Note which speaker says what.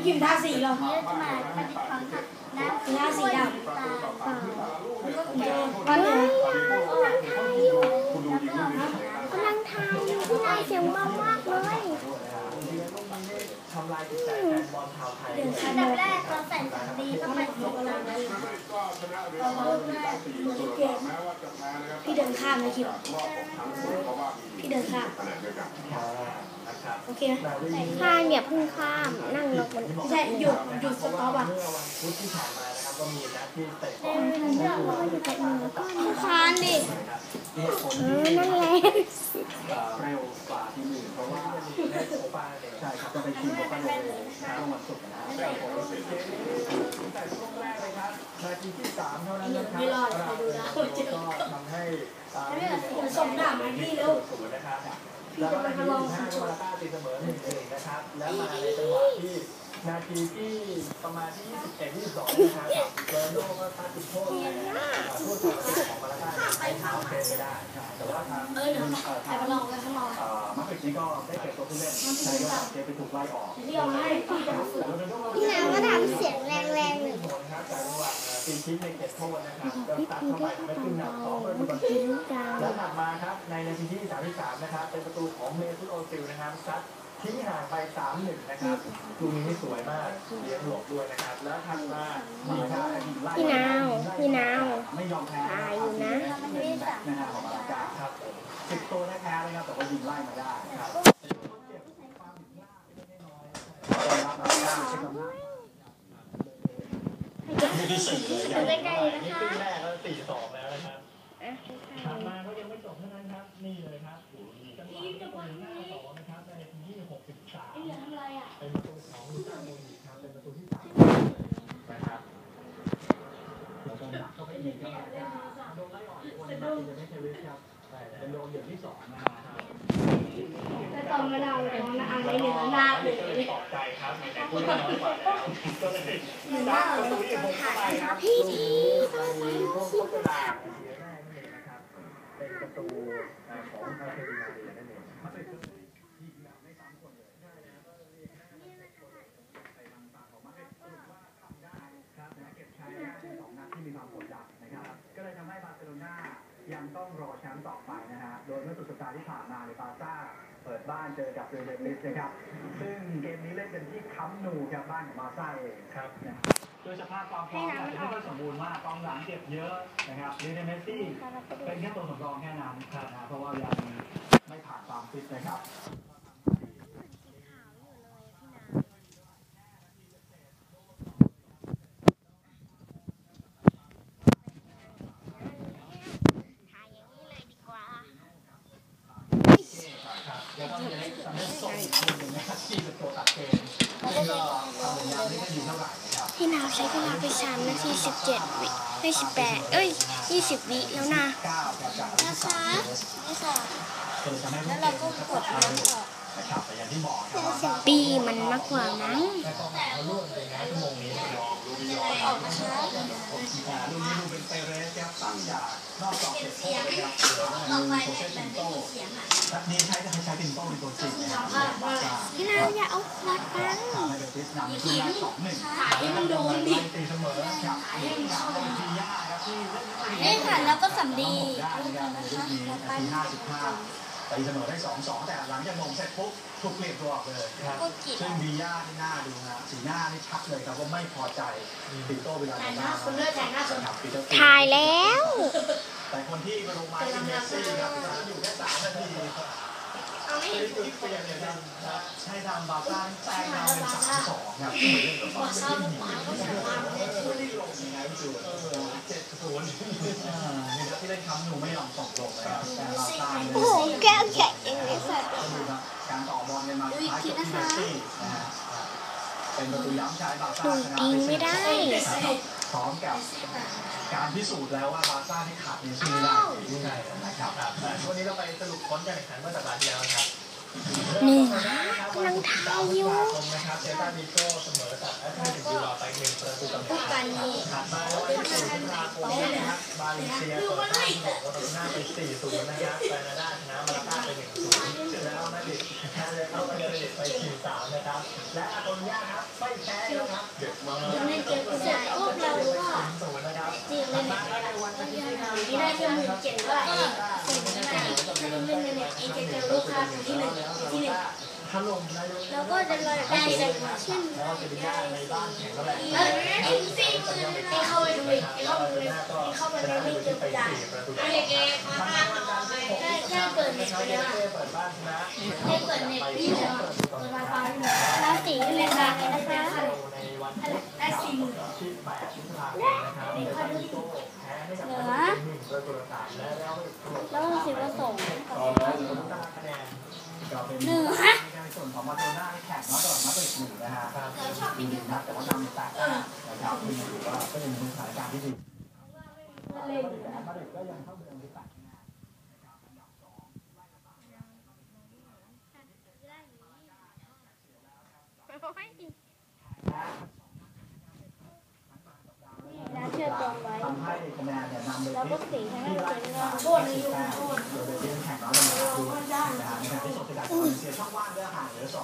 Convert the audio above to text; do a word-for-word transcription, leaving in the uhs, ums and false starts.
Speaker 1: พิมพ์ทาสีหรอ
Speaker 2: นี่จะมาปฏิบัติน้ำ
Speaker 1: ทาสีดำ
Speaker 2: วันนี้กำลังทายอยู่ได้เสียงเบามากเลยอันดับแรกเราใส่สำลีเข้าไปที่กลางเลย
Speaker 1: พี่เดินข้ามเลยคิดพี่เดินข้ามโอเคไหม
Speaker 2: ข้ามอย่าพึ่งข้ามนั่งลงบน
Speaker 1: ใช่หยุดหยุดสต็อปอ่ะ
Speaker 2: เรื่องรออยู่แต่มือก้อนคานดิเออนั่นแหละ
Speaker 3: เร็วกว่าทีมอื่นเพราะว่าได้โคปาใช่ครับจะไปทีมโคปาโลจังหวัดสุพรรณบุรีแต่ช่วงแรกเลยครับนาทีที่สามเท่านั้นนะครับ
Speaker 1: ไม่รอดใครดูนะ
Speaker 3: ก็ทำให้
Speaker 1: ส่งด่ามาพี่เร็ว
Speaker 3: แล้วก็นาทีที่ห้าก็มาต้าตีเสมอหนึ่งเองนะครับแล้วมาในจังหวะที่นาทีที่ประมาณที่ยี่สิบเอ็ด ยี่สิบสองนะครับเบอร์โน่ก็พลาดจุดโทษโทษของมาต้าใช้เท้าเตะไม่ได้แต่ว่าทาง
Speaker 1: เออเดี๋ยวใครมาลองกันข้างนอก
Speaker 3: มาร์คนี้ก็ได้เก็บตัวผู้เล่นในจังหวะเจไปถูกไล่ออก
Speaker 1: พี่เอาให้พี่จะฝึก
Speaker 2: พี่น้ำก็ทำเสียงแรงๆหนึ่ง
Speaker 3: ตีชิ้นในเก็บโทษนะครับก็ตัดเข้าไปไม่ขึ้นหนักสองประตูต่อศูนย์แล้วถัดมาครับในนาทีที่สามสิบสามนะครับเป็นประตูของเมซุตโอซิลนะครับซัดทิ้งห่างไป สามหนึ่ง นะครับลูกนี้สวยมากเลี้ยงหลบด้วยนะครับแล้วถัดมา
Speaker 2: พี่นาวพี่นาว
Speaker 3: ไม่ยอมแพ้
Speaker 2: ตายอยู่นะ
Speaker 3: นะฮะของมาจากครับสิบตัวแท้ๆนะครับแต่ว่ายิงไล่มาได้ครับที่สี่เลยใกล้ๆนะคะนี่แรกแล้วสี่สองแล้วนะครับถัดมาก็ยังไม่จบเท่านั้นครับนี่เลยครับจังหวะที่ประตูหน้าสองนะครับในนาทีที่หกสิบสามเป็นประตูของลูก้าโมนิครับเป็นประตูที่สามนะครับแล้วก็หนักเข้าไปอีกครับโดนไล่ออกคนมาจะไม่ใช่เวสครับแต่เป็นโดนเหยื่อที่สองนะครับ
Speaker 1: แต่ตอนมาดาวตอนนั้นอะไรเหนือหน้าเลย
Speaker 3: ตกใจครับแต่คุณน้อยกว่าแล้วก็เลยได้ประตูที่หกเข้าไปครับ
Speaker 2: พี่ที
Speaker 3: ต้องไปคิดว่าเป็นประตูของอาร์เจนตินาเลยนั่นเองมาเป็นยิงแบบไม่ซ้ำคนเลยใช่แล้วก็เรียกห้าคนไปทางฝั่งของมาเป็นสรุปว่าทำได้ครับนะเก็บชัยได้ในสองนัดที่มีความกดดันนะครับก็เลยทำให้บาร์เซโลนายังต้องรอแชมป์ต่อไปนะฮะโดยเมื่อสุดสัปดาห์ที่ผ่านมาในบาร์ซ่าเปิดบ้านเจอกับเรอัลมาดริดนะครับซึ่งเกมนี้เล่นกันที่คัมป์นูครับบ้านของบาร์ซ่าเองครับโดยสภาพความพร้อมอาจจะไม่ค่อยสมบูรณ์มากกองหลังเจ็บเยอะนะครับลิเนเมสซี่เป็นแค่ตัวสำรองแค่นั้นนะเพราะว่ายังไม่ผ่านความฟิตนะครับแล้วก็จะได้ทำให้ส่งอีกคนหนึ่งนะครับที่เป็นตัวตัดเกมซึ่งก็ความพยายามนี่ก็อยู่เท่าไหร่นะครับ
Speaker 2: พี่นาวใช้เวลาไปสามนาทีสิบเจ็ดวิไม่สิบแปดเอ้ยยี่สิบวิแล้วนะ
Speaker 1: นะคะนี่ค่ะแล้วเราก็กดน้ำออก
Speaker 2: ปีมันมากกว่ามั้ง
Speaker 1: ออกนะคะ
Speaker 3: ลูกนี้ดูเป็นเปเรสครับตั้งจากนอกกรอบเขตโทษนะครับต่อไปเนี่ยเป็นไม่มีเสียงอ่ะนี่ใช้ใช้ใช้ปินโต้เป็นตัวสิบ
Speaker 2: พี่นาวอย่าเอาขวดปัง
Speaker 3: อีกทีนึง
Speaker 1: ถ่ายให้มันโดนดิ
Speaker 3: ตีเสมอครับ
Speaker 1: นี่ค่ะแล้วก็สำลี
Speaker 3: นาทีห้าสิบห้าตีเสมอได้สองสองแต่หลังจากมงเสร็จปุ๊บถูกเปลี่ยนตัวออกเลยครับซึ่งบีย่าที่หน้าดูนะสีหน้านี่ชัดเลยครับว่าไม่พอใจปิโต้เวลา
Speaker 1: ถ่ายหน้าคนเลือดถ่ายหน้าคน
Speaker 2: ถ่ายแล้ว
Speaker 3: แต่คนที่มาลงไม้เป็นเมสซี่ครับอยู่แค่สามนาที
Speaker 1: เอาไม่เห็น
Speaker 3: ที่เปลี่ยนเลยครับใช่ทำบาซ่าแซงนำเป็นสามสองครับ
Speaker 1: บาซ่าลูกหมาก็สามารถ
Speaker 3: ที่ลงยังไงจู่เจ็ดศูนย์นี่ครับที่เล่นค้ำหนูไม่ยอมตกลงเลยครับแต่บาซ่า
Speaker 2: โอ้โหแก้วแข็งเองเลยสัตว์
Speaker 3: การต่อบอลกันมาท้ายกับที่เมสซี่นะฮะเป็นประตูย้ำใช้บาซ่าชนะ
Speaker 2: ยิงไม่ได้
Speaker 3: พร้อมกับการพิสูจน์แล้วว่าบาซ่าที่ขาดเมสซี่ไม่ได้ใช่นะครับวันนี้เราไปสรุปผลการแข่งขันเมื่อสัปดาห์ที่แล้วครับ
Speaker 2: นี่กำลังถ่ายอยู่
Speaker 3: นะครับเซต้ามิโก้เสมอกับแอตเลติกบิลบาไปหนึ่งประตูต่อ
Speaker 1: พวกกันนี้
Speaker 3: ถัดมาแล้วเป็นศูนย์ราโกนะครับบาเลนเซียเปิดบ้านบอกว่าตรงหน้าไปสี่ศูนย์นะครับแคนาดาชนะมาลาก้าไปหนึ่งศูนย์แล้วมาดริดแพ้เลยเข้ามาดริดไปสี่สามนะครับและอาโตนิอาครับไม่แพ้นะครับเด็กมา
Speaker 1: ยังไม่เจอคุณยายพวกเราก็
Speaker 3: ศูนย์นะครับ
Speaker 1: จริงเลยเนี่ยไม่ได้แค่หมื่นเจ็ดก็เซ็นไม่ได้ถ้าเราเล่นกันเนี่ยเองจะเจอลูกค้าคนที่หนึ่งที่หนึ่ง
Speaker 3: ถล่มใน
Speaker 1: เราก็จะเลยได้เลยเช่น
Speaker 3: แล้วเซบีย่าในบ้านแข่งก็แหละ
Speaker 1: เออไอ้ซีมือไอ้เข้าไปดูดิไอ้เข้าไปดูดิไอ้เข้าไปในนี่เจอจ่ายไอ้เกมมาห้าร้อยได้แค่เปิดเน็ตไปแล้ว
Speaker 3: เปิดบ้านชนะ
Speaker 1: ให้เปิดเน็ตนี่เลยเปิดไวไฟนี่
Speaker 2: ราศีอะไรคะนะคะ
Speaker 3: ในวัน
Speaker 1: ได้สี่หมื่น
Speaker 3: ที่แปดพฤษภาคมนะครับในวันที่โต้แพ้ให้กับ
Speaker 2: เหลือ
Speaker 3: หนึ่งประตูต่างแล้วแล้ว
Speaker 2: แล้วสิประสงค์
Speaker 3: ตอนนั้นเราคะแนนก็เป็น
Speaker 2: หนึ่งฮะ
Speaker 3: ในส่วนของมาโดน่าแข่งน้อยกว่ามาดริดหนึ่งนะฮะดีดีนะแต่ว่านำแต่นะครับคือถือว่าก็ยังเป็นสถานการณ์ที่ดีมาดริดก็ยังเข้าเมืองที่แปด
Speaker 2: นะเชื่อตรงไว้
Speaker 3: ทำให้คะแนนเนี่ยนำไป
Speaker 2: แล้วก็
Speaker 3: ที่
Speaker 2: สีทั้งนั้นเลยว่า
Speaker 1: โทษนะยูโทษ
Speaker 3: โดยเป็นแข่งน้อยกว่ามาดริดนะฮะในขณะที่โซเซดาดเสียช่องว่างด้วย